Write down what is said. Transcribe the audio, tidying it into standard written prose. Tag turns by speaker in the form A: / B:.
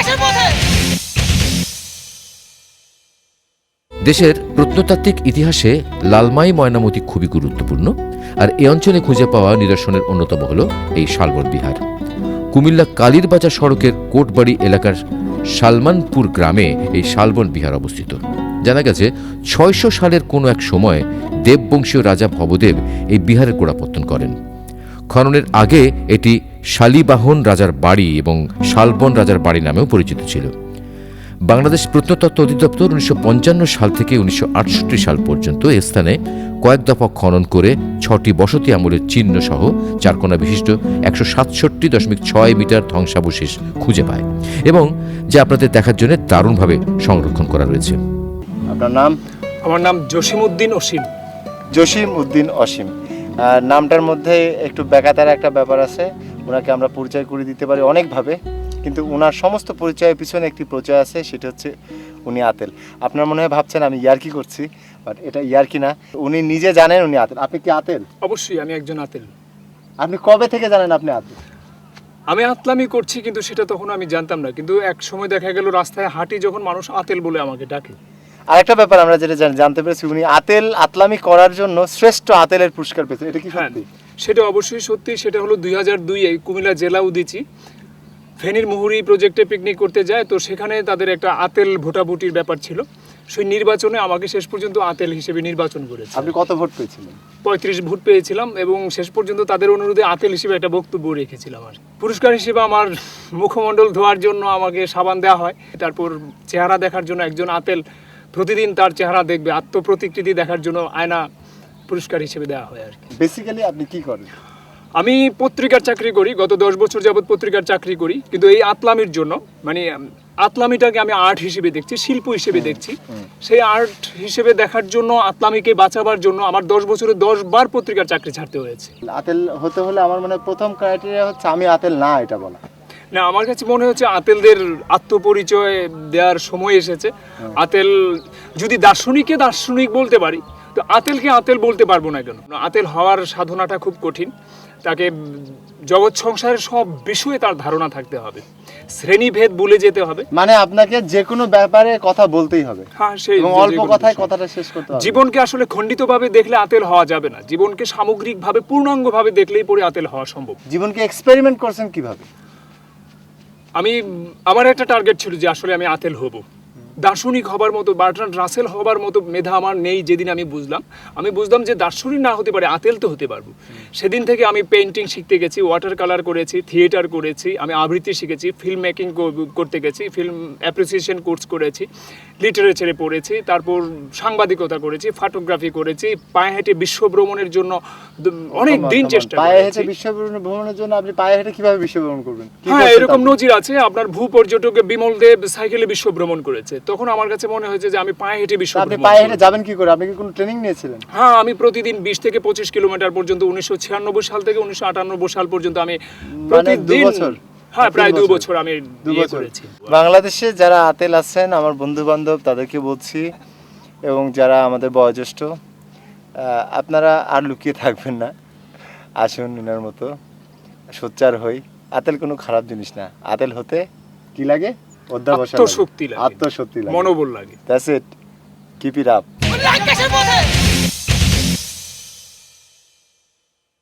A: দেশের প্রত্নতাত্ত্বিক ইতিহাসে লালমাই ময়নামতি খুবই গুরুত্বপূর্ণ, আর এ অঞ্চলে খুঁজে পাওয়া নিদর্শনের অন্যতম হল এই শালবন বিহার। কুমিল্লা কালীরবাজার সড়কের কোটবাড়ি এলাকার সালমানপুর গ্রামে এই শালবন বিহার অবস্থিত। জানা গেছে ৬০০ সালের কোনো এক সময় দেববংশীয় রাজা ভবদেব এই বিহারের গোড়াপত্তন করেন। খননের আগে এটি শালিবাহন রাজার বাড়ি এবং শালবন রাজার বাড়ি নামেও পরিচিত ছিল। বাংলাদেশ প্রত্নতত্ত্ব অধিদপ্তর ১৯৫৫ সাল থেকে ১৯৬৮ সাল পর্যন্ত এ স্থানে কয়েক দফা খনন করে ৬টি বসতি আমলের চিহ্ন সহ চারকোনা বিশিষ্ট ১৬৭.৬ মিটার ধ্বংসাবশেষ খুঁজে পায়, এবং যা আপনাদের দেখার জন্য দারুণভাবে সংরক্ষণ করা রয়েছে।
B: আপনার নাম?
C: আমার নাম জসিমউদ্দিন অসীম।
B: জসিমউদ্দিন অসীম। নামটার মধ্যে একটু বেকাতার একটা ব্যাপার আছে। ওনাকে আমরা পরিচয় করে দিতে পারি অনেকভাবে, কিন্তু ওনার সমস্ত পরিচয়ের পিছনে একটি পরিচয় আছে, সেটা হচ্ছে উনি আতেল। আপনার মনে হয় ভাবছেন আমি ইয়ার্কি করছি, বাট এটা ইয়ার্কি না। উনি নিজে জানেন উনি আতেল। আপনি কি আতেল?
C: অবশ্যই আমি একজন আতেল।
B: আপনি কবে থেকে জানেন আপনি আতেল?
C: আমি আতলামি করছি, কিন্তু সেটা তখন আমি জানতাম না। কিন্তু এক সময় দেখা গেল রাস্তায় হাঁটি যখন, মানুষ আতেল বলে আমাকে ডাকে।
B: আরেকটা ব্যাপার আমরা যেটা জানতে পেরেছি, উনি আতলামি করার জন্য শ্রেষ্ঠ আতেলের পুরস্কার পেয়েছেন। এটা কি সত্যি?
C: সেটা অবশ্যই সত্যি। সেটা হলো ২০০২-এ কুমিল্লা জেলা উদীচী ফেনীর মুহুরী প্রজেক্টে পিকনিক করতে যায়। তো সেখানে তাদের একটা আতেল ভোটাভুটির ব্যাপার ছিল। সেই নির্বাচনে আমাকে শেষ পর্যন্ত আতেল হিসেবে নির্বাচন করেছে।
B: আপনি কত ভোট পেয়েছিলেন?
C: ৩৫ ভোট পেয়েছিলাম, এবং শেষ পর্যন্ত তাদের অনুরোধে আতেল হিসেবে একটা বক্তব্য রেখেছিলাম। আর পুরস্কার হিসেবে আমার মুখমণ্ডল ধোয়ার জন্য আমাকে সাবান দেওয়া হয়। তারপর চেহারা দেখার জন্য একজন আতেল প্রতিদিন তার চেহারা দেখবে, আত্মপ্রতিকৃতি দেখার জন্য আয়না পুরস্কার হিসেবে দেওয়া হয় আর কি।
B: বেসিক্যালি আপনি কি করেন?
C: আমি পত্রিকার চাকরি করি, গত ১০ বছর যাবৎ পত্রিকার চাকরি করি। কিন্তু এই আতলামির জন্য, মানে আতলামিটাকে আমি আর্ট হিসেবে দেখছি, শিল্প হিসেবে দেখছি। সেই আর্ট হিসেবে দেখার জন্য, আতলামিকে বাঁচাবার জন্য আমার ১০ বছরে ১০ বার পত্রিকার চাকরি ছাড়তে হয়েছে।
B: আতেল হতে হলে আমার মনে হয় প্রথম ক্রাইটেরিয়া হচ্ছে আমি আতেল না, এটা বলা
C: না। আমার কাছে মনে হচ্ছে আতেলদের আত্মপরিচয় দেওয়ার সময় এসেছে। আতেল যদি দার্শনিককে দার্শনিক বলতে পারি, তো আতেলকে আতেল বলতে পারবো না কেন? আতেল হওয়ার সাধনাটা খুব কঠিন। তাকে জগৎ সংসারের সব বিষয়ে তার ধারণা থাকতে হবে, শ্রেণীভেদ ভুলে যেতে হবে।
B: মানে আপনাকে যে কোনো ব্যাপারে কথা বলতেই হবে।
C: হ্যাঁ, সেই
B: অল্প কথায় কথাটা শেষ করতে হবে।
C: জীবনকে আসলে খণ্ডিতভাবে দেখলে আতেল হওয়া যাবে না। জীবনকে সামগ্রিকভাবে পূর্ণাঙ্গভাবে দেখলেই পরে আতেল হওয়া সম্ভব।
B: জীবনকে এক্সপেরিমেন্ট করছেন কিভাবে?
C: আমার একটা টার্গেট ছিল যে আসলে আমি আতেল হব, দার্শনিক হবার মতো, বার্ট্রান্ড রাসেল হবার মতো মেধা আমার নেই। যেদিন আমি বুঝলাম যে দার্শনিক না হতে পারে, আতেল তো হতে পারবো। সেদিন থেকে আমি পেইন্টিং শিখতে গেছি, ওয়াটার কালার করেছি, থিয়েটার করেছি, আমি আবৃত্তি শিখেছি, ফিল্ম মেকিং করতে গেছি, ফিল্ম অ্যাপ্রিসিয়েশন কোর্স করেছি, লিটারেচারে পড়েছি, তারপর সাংবাদিকতা করেছি, ফটোগ্রাফি করেছি, পায়ে হেঁটে বিশ্ব ভ্রমণের জন্য অনেক দিন চেষ্টা করেছি।
B: পায়ে হেঁটে বিশ্ব ভ্রমণের জন্য আপনি পায়ে হেঁটে কিভাবে বিশ্ব ভ্রমণ করবেন?
C: হ্যাঁ, এরকম নজির আছে। আপনার ভূপর্যটক বিমল দেব সাইকেলে বিশ্ব ভ্রমণ করেছে। তখন আমার কাছে মনে হয়েছে যে আমি পায়ে হেঁটে বিশ্ব ভ্রমণ।
B: আপনি পায়ে হেঁটে যাবেন কি করে? আপনি কি কোনো ট্রেনিং নিয়েছিলেন?
C: হ্যাঁ, আমি প্রতিদিন ২০ থেকে ২৫ কিলোমিটার পর্যন্ত ১৯৯৬ সাল থেকে ১৯৯৮ সাল পর্যন্ত আমি প্রতিদিন, হ্যাঁ প্রায় ২ বছর আমি করেছি।
B: বাংলাদেশে যারা আতেল আছেন আমার বন্ধু বান্ধব, তাদেরকে বলছি, এবং যারা আমাদের বয়োজ্যেষ্ঠ, আপনারা আর লুকিয়ে থাকবেন না, আসুন এনার মতো সোচ্চার হই। আতেল কোনো খারাপ জিনিস না। আতেল হতে কি লাগে?
C: আত্মশক্তি লাগে,
B: আত্মশক্তি লাগে,
C: মনোবল লাগে।
B: That's it, keep it up.